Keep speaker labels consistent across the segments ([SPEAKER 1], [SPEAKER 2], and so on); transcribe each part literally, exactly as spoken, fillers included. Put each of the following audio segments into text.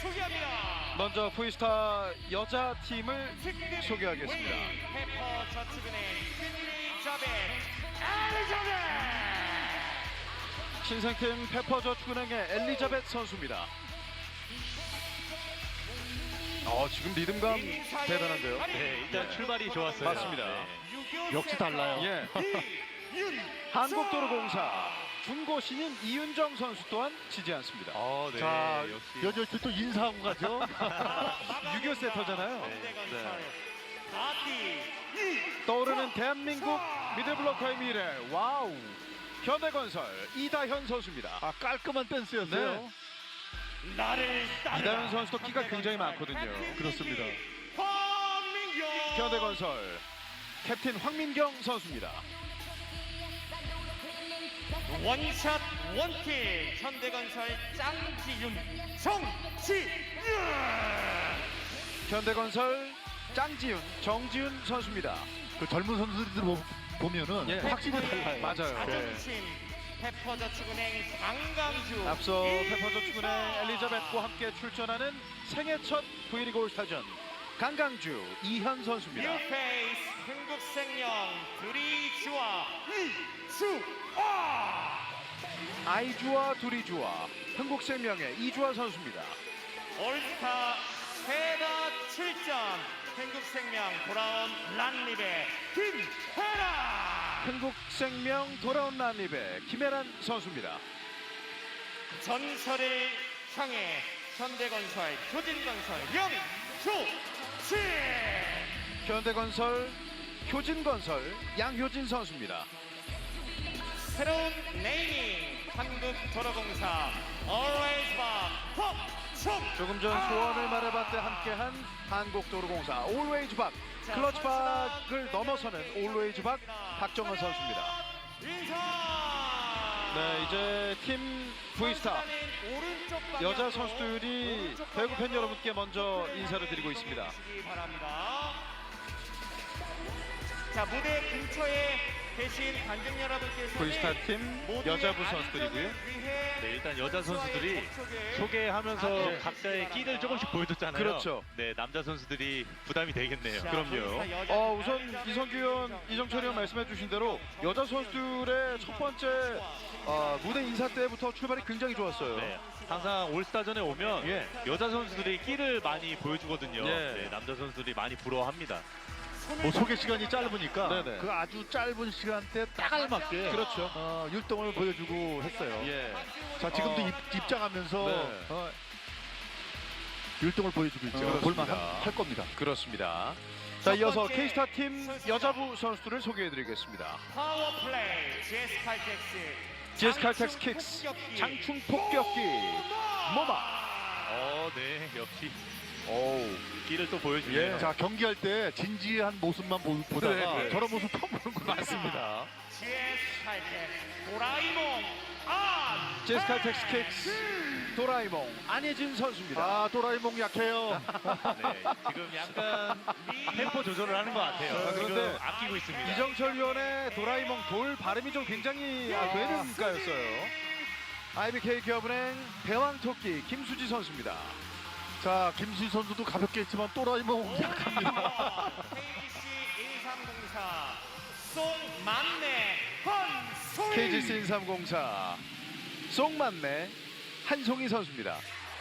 [SPEAKER 1] 소개합니다.
[SPEAKER 2] 먼저 V스타 여자 팀을 소개하겠습니다.
[SPEAKER 1] 페퍼 저축은행 엘리자벳 엘리자벳
[SPEAKER 2] 신생팀 페퍼저축은행의 엘리자벳 선수입니다. 어, 지금 리듬감 대단한데요.
[SPEAKER 3] 네, 일단
[SPEAKER 2] 네.
[SPEAKER 3] 출발이 좋았어요.
[SPEAKER 2] 맞습니다.
[SPEAKER 3] 네.
[SPEAKER 1] 역시 달라요.
[SPEAKER 2] 예. 한국도로공사 중고 신인 이윤정 선수 또한 지지 않습니다.
[SPEAKER 3] 어, 네.
[SPEAKER 4] 자,
[SPEAKER 3] 역시.
[SPEAKER 4] 여전히 또 인사하고 가죠.
[SPEAKER 2] 육이오 세터잖아요.
[SPEAKER 1] 현대건설 아띠
[SPEAKER 2] 떠오르는 대한민국 미들블로커의 미래. 와우. 현대건설 이다현 선수입니다.
[SPEAKER 4] 아, 깔끔한 댄스였어요.
[SPEAKER 2] 네.
[SPEAKER 1] 나를 따르라.
[SPEAKER 2] 이다현 선수도 끼가 굉장히 많거든요.
[SPEAKER 4] 그렇습니다.
[SPEAKER 1] 황민경
[SPEAKER 2] 현대건설 캡틴 황민경 선수입니다.
[SPEAKER 1] 원샷 원킥 현대건설 짱지윤 정지윤
[SPEAKER 2] 현대건설 짱지윤 정지윤 선수입니다.
[SPEAKER 4] 그 젊은 선수들 보- 보면은
[SPEAKER 2] 예.
[SPEAKER 4] 확실히 달라요.
[SPEAKER 2] 맞아요.
[SPEAKER 1] 자존심 페퍼저축은행 강강주
[SPEAKER 2] 앞서 페퍼저축은행 엘리자벳과 함께 출전하는 생애 첫 V리그 올스타전 강강주 이현 선수입니다.
[SPEAKER 1] 뉴페이스 흥국생명 드리주와 이주아
[SPEAKER 2] 아이주와 두리주와 흥국생명의 이주아 선수입니다.
[SPEAKER 1] 올스타 최다 칠 점 흥국생명 돌아온 란립의 김혜라
[SPEAKER 2] 흥국생명 돌아온 란립의 김혜란 선수입니다.
[SPEAKER 1] 전설을 향해 현대건설 교진건설 영조치
[SPEAKER 2] 현대건설 효진건설 양효진 선수입니다.
[SPEAKER 1] 새로운 네이밍 한국도로공사 Always Back pop총
[SPEAKER 2] 조금 전 소원을 말해봤때 함께한 한국도로공사 Always Back 클러치 박을 넘어서는 Always Back 박정은 선수입니다.
[SPEAKER 1] 인사
[SPEAKER 2] 네, 이제 팀 V스타 여자 선수들이 배구 팬 여러분께 먼저 인사를 드리고 있습니다.
[SPEAKER 1] 바랍니다. 자, 무대 근처에 계신 관중 여러분께서
[SPEAKER 2] V스타 팀 여자부 선수들이고요.
[SPEAKER 3] 네, 일단 여자 선수들이 소개하면서
[SPEAKER 2] 아, 네.
[SPEAKER 3] 각자의 끼를 조금씩 보여줬잖아요.
[SPEAKER 2] 그렇죠.
[SPEAKER 3] 네, 남자 선수들이 부담이 되겠네요.
[SPEAKER 2] 그럼요. 어, 우선 이성규 의원, 이정철 의원 말씀해 주신 대로 여자 선수들의 첫 번째 어, 무대 인사 때부터 출발이 굉장히 좋았어요.
[SPEAKER 3] 네, 항상 올스타전에 오면
[SPEAKER 2] 예.
[SPEAKER 3] 여자 선수들이 끼를 많이 보여주거든요.
[SPEAKER 2] 예.
[SPEAKER 3] 네, 남자 선수들이 많이 부러워합니다.
[SPEAKER 4] 뭐 소개 시간이 짧으니까
[SPEAKER 2] 네네.
[SPEAKER 4] 그 아주 짧은 시간대 딱 알맞게
[SPEAKER 2] 그렇죠.
[SPEAKER 4] 어, 율동을 보여주고 했어요.
[SPEAKER 2] 예.
[SPEAKER 4] 자, 지금도
[SPEAKER 2] 어.
[SPEAKER 4] 입, 입장하면서
[SPEAKER 2] 네.
[SPEAKER 4] 어, 율동을 보여주고 있죠.
[SPEAKER 2] 그렇습니다.
[SPEAKER 4] 볼만 할 겁니다.
[SPEAKER 2] 그렇습니다. 자, 이어서 K스타 팀 여자부 선수들을 소개해 드리겠습니다.
[SPEAKER 1] 파워플레이 제스 칼텍스
[SPEAKER 2] 지에스 칼텍스 킥스 장충 폭격기 모마.
[SPEAKER 3] 어, 네, 역시
[SPEAKER 2] 오우.
[SPEAKER 3] 끼를 또 보여주네요.
[SPEAKER 2] 예.
[SPEAKER 4] 자, 경기할 때 진지한 모습만 보, 보다가
[SPEAKER 2] 네, 네.
[SPEAKER 4] 저런 모습 처음 보는구나. 맞습니다.
[SPEAKER 1] 제스 칼텍스 도라이몽 안
[SPEAKER 2] 지에스 칼텍스 킥스 도라이몽 안예진 선수입니다.
[SPEAKER 4] 아, 도라이몽 약해요.
[SPEAKER 3] 네, 지금 약간 템포 조절을 하는 것 같아요.
[SPEAKER 2] 아, 그런데
[SPEAKER 3] 지금 아끼고 있습니다.
[SPEAKER 2] 이정철 위원의 도라이몽 돌 발음이 좀 굉장히 아, 되는가였어요. 아이비케이 기업은행 대왕토끼 김수지 선수입니다.
[SPEAKER 4] 자, 김수희 선수도 가볍게 했지만 도라이몽 약합니다.
[SPEAKER 1] 케이지씨 일삼공사 송만내 한송이
[SPEAKER 2] 케이지씨 일삼공사 송만내 한송이 선수입니다.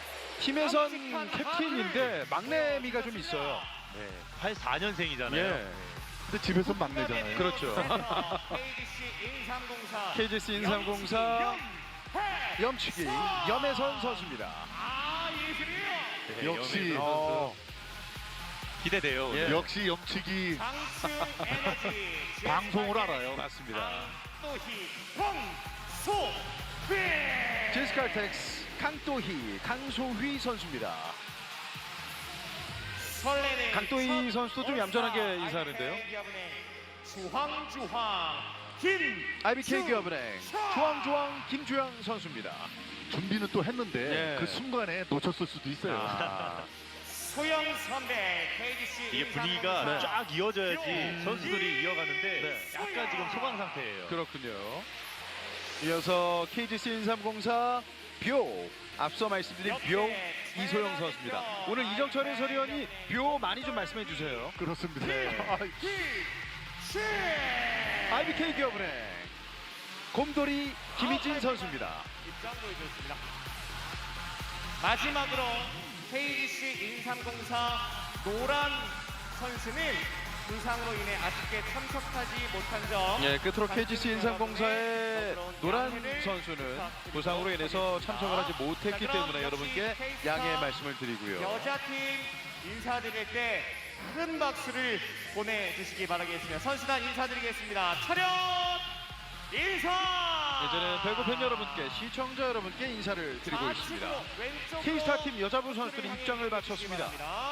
[SPEAKER 2] 팀에선 캡틴인데 막내미가 좀 있어요.
[SPEAKER 3] 네, 팔십사 년생이잖아요.
[SPEAKER 2] 예.
[SPEAKER 4] 근데 집에서 막내잖아요.
[SPEAKER 2] 그렇죠.
[SPEAKER 1] 케이지씨 일삼공사
[SPEAKER 2] 케이지씨 일삼공사 염치기 염혜선 선수입니다.
[SPEAKER 1] 아 예술이에요.
[SPEAKER 3] 네,
[SPEAKER 4] 역시
[SPEAKER 3] 염혜선 선수.
[SPEAKER 4] 어,
[SPEAKER 3] 기대돼요.
[SPEAKER 2] 예.
[SPEAKER 4] 역시 염치기
[SPEAKER 1] 강추 에너지
[SPEAKER 4] 방송을 알아요.
[SPEAKER 2] 맞습니다.
[SPEAKER 1] 또희 황소비
[SPEAKER 2] 지에스 칼텍스 강도희 강소휘 선수입니다.
[SPEAKER 1] 설레는
[SPEAKER 2] 강도희 선수도 좀 얌전하게 인사하는데요.
[SPEAKER 1] 아이비케이 주황주황 김
[SPEAKER 2] 아이비케이 기업은행 주황주황 김주영 선수입니다.
[SPEAKER 4] 준비는 또 했는데
[SPEAKER 2] 예.
[SPEAKER 4] 그 순간에 놓쳤을 수도 있어요.
[SPEAKER 2] 아,
[SPEAKER 1] 소영 선배 케이지씨
[SPEAKER 3] 이게 분위기가
[SPEAKER 2] 네.
[SPEAKER 3] 쫙 이어져야지
[SPEAKER 1] 네.
[SPEAKER 3] 선수들이 이어가는데
[SPEAKER 2] 네.
[SPEAKER 3] 약간 지금 소강 상태예요.
[SPEAKER 2] 그렇군요. 이어서 케이지씨 일삼공사 뷰 앞서 말씀드린 뷰 이소영 선수입니다. 오늘 이정철 해설위원이 뷰 많이 좀 말씀해 주세요.
[SPEAKER 4] 그렇습니다.
[SPEAKER 2] 아이비케이 기업은행 곰돌이 김희진 선수입니다.
[SPEAKER 1] 입장 보여줬습니다. 마지막으로 케이지씨 인삼공사 노란 선수는 부상으로 인해 아쉽게 참석하지 못한 점.
[SPEAKER 2] 예, 끝으로 케이지씨 인삼공사의 노란 선수는 부상으로 인해서 참석을 하지 못했기 때문에 여러분께 양해의 말씀을 드리고요.
[SPEAKER 1] 여자팀 인사드릴 때 큰 박수를 보내주시기 바라겠습니다. 선수단 인사드리겠습니다. 차렷 인사!
[SPEAKER 2] 이제는 배구팬 여러분께, 시청자 여러분께 인사를 드리고 있습니다. K스타팀 여자부 선수들이 입장을 마쳤습니다.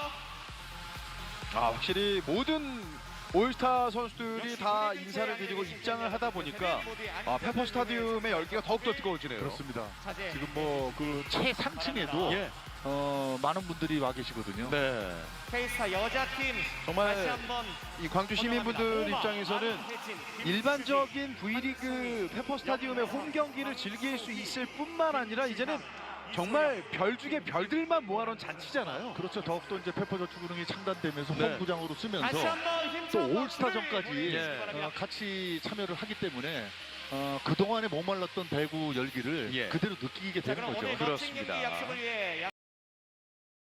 [SPEAKER 2] 아, 확실히 모든 올스타 선수들이 다 인사를 드리고 입장을 하다 보니까 아, 페퍼 스타디움의 열기가 더욱더 뜨거워지네요.
[SPEAKER 4] 그렇습니다.
[SPEAKER 1] 자제.
[SPEAKER 4] 지금 뭐 그 최상층에도
[SPEAKER 2] 예.
[SPEAKER 4] 어, 많은 분들이 와 계시거든요.
[SPEAKER 2] 네.
[SPEAKER 1] K스타 여자팀
[SPEAKER 2] 정말
[SPEAKER 1] 다시 한번
[SPEAKER 2] 이 광주 시민분들 입장에서는 일반적인 V리그 페퍼 스타디움의 홈 경기를 즐길 수 있을 뿐만 아니라 이제는 정말 별 중에 별들만 모아놓은 잔치잖아요.
[SPEAKER 4] 그렇죠. 더욱더 이제 페퍼저축은행이 창단되면서
[SPEAKER 2] 네.
[SPEAKER 4] 홈구장으로
[SPEAKER 1] 다시
[SPEAKER 4] 쓰면서
[SPEAKER 1] 한번
[SPEAKER 4] 또
[SPEAKER 1] 힘찬
[SPEAKER 4] 올스타전까지
[SPEAKER 2] 예.
[SPEAKER 4] 어, 같이 참여를 하기 때문에 어, 그동안에 목말랐던 배구 열기를
[SPEAKER 2] 예.
[SPEAKER 4] 그대로 느끼게
[SPEAKER 1] 자,
[SPEAKER 4] 되는
[SPEAKER 1] 그럼
[SPEAKER 4] 거죠.
[SPEAKER 1] 오늘 멋진
[SPEAKER 2] 그렇습니다.
[SPEAKER 1] 경기 약속을 위해